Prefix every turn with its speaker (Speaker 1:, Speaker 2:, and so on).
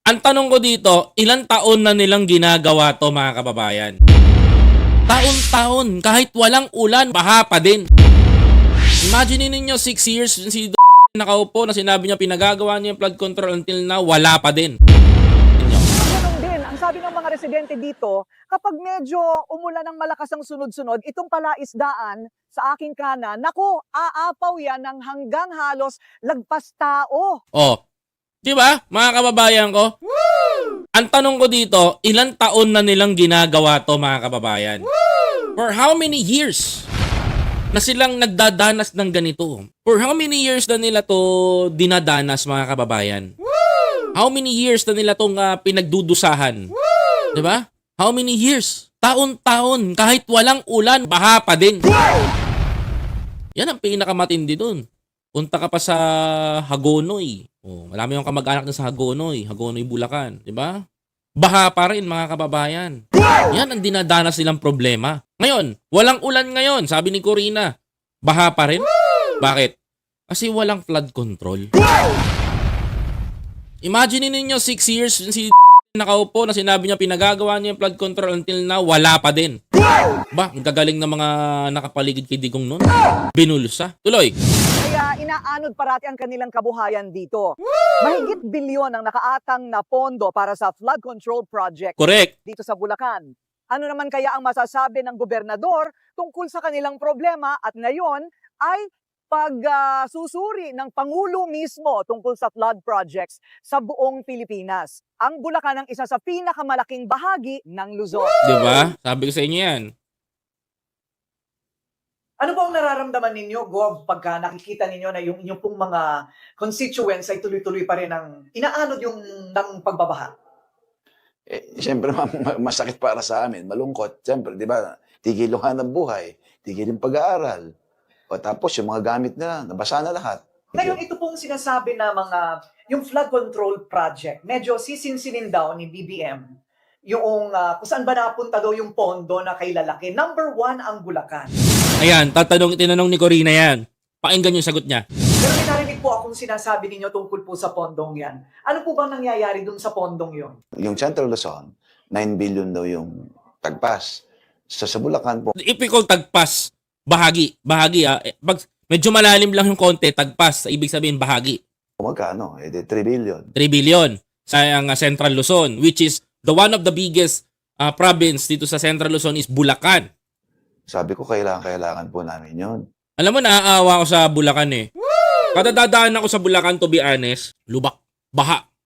Speaker 1: Ang tanong ko dito, ilang taon na nilang ginagawa to mga kababayan? Taon-taon, kahit walang ulan, baha pa din. Imagine ninyo 6 years si nakaupo na sinabi niya pinagagawa niya yung flood control until now, wala pa din.
Speaker 2: Ganun din, ang sabi ng mga residente dito, kapag medyo umulan ng malakas ang sunod-sunod, itong palaisdaan sa aking kanan, naku, aapaw yan ng hanggang halos lagpas tao.
Speaker 1: Oh, di ba mga kababayan ko? Woo! Ang tanong ko dito, ilang taon na nilang ginagawa to mga kababayan? Woo! For how many years na silang nagdadanas ng ganito? For how many years na nila to dinadanas mga kababayan? Woo! How many years na nila tong pinagdudusahan? Woo! Di ba? How many years? Taon-taon, kahit walang ulan, baha pa din. Yan ang pinakamatindi dun. Punta ka pa sa Hagonoy. Oh, marami yung kamag-anak na sa Hagonoy, Bulacan, 'di ba? Baha pa rin mga kababayan. Yan ang dinadanas nilang problema. Ngayon, walang ulan ngayon, sabi ni Corina. Baha pa rin? Bakit? Kasi walang flood control. Imagine ninyo 6 years si nakaupo na sinabi niya pinagagawa niya yung flood control until now, wala pa din. Ba, ang gagaling ng mga nakapaligid kay Digong nun. Binulsa. Tuloy.
Speaker 2: Kaya inaanod parati ang kanilang kabuhayan dito. Mahigit bilyon ang nakaatang na pondo para sa flood control project
Speaker 1: Correct.
Speaker 2: dito sa Bulacan. Ano naman kaya ang masasabi ng gobernador tungkol sa kanilang problema at ngayon ay pagsusuri ng Pangulo mismo tungkol sa flood projects sa buong Pilipinas. Ang Bulacan ang isa sa pinakamalaking bahagi ng Luzon.
Speaker 1: Di ba? Sabi ko sa inyo yan.
Speaker 2: Ano po ang nararamdaman ninyo, Gov, pagka nakikita ninyo na yung inyong pong mga constituents ay tuloy-tuloy pa rin ang inaanod yung ng pagbabaha?
Speaker 3: Siyempre, masakit para sa amin, malungkot. Siyempre, di ba, tigil yung hanap buhay, tigil yung pag-aaral. O tapos, yung mga gamit nila, nabasa na lahat.
Speaker 2: Ngayon, ito pong sinasabi na yung flood control project, medyo sisinsinin daw ni BBM yung kung saan ba napunta daw yung pondo na kay lalaki. Number 1 ang Bulacan.
Speaker 1: Ayan, tinanong ni Corina yan. Pakinggan yung sagot niya.
Speaker 2: Pero may narinig po akong sinasabi ninyo tungkol po sa pondong yan. Ano po bang nangyayari dun sa pondong yon?
Speaker 3: Yung Central Luzon, 9 billion daw yung tagpas. Sa Bulacan po,
Speaker 1: Ipikol tagpas, bahagi. Pag medyo malalim lang yung konti, tagpas, ibig sabihin bahagi.
Speaker 3: magkano? 3 billion.
Speaker 1: 3 billion sa ang Central Luzon, which is the one of the biggest province dito sa Central Luzon is Bulacan.
Speaker 3: Sabi ko, kailangan po namin yun.
Speaker 1: Alam mo, naaawa ako sa Bulacan eh. Kada dadaan ako sa Bulacan, to be honest, lubak, baha.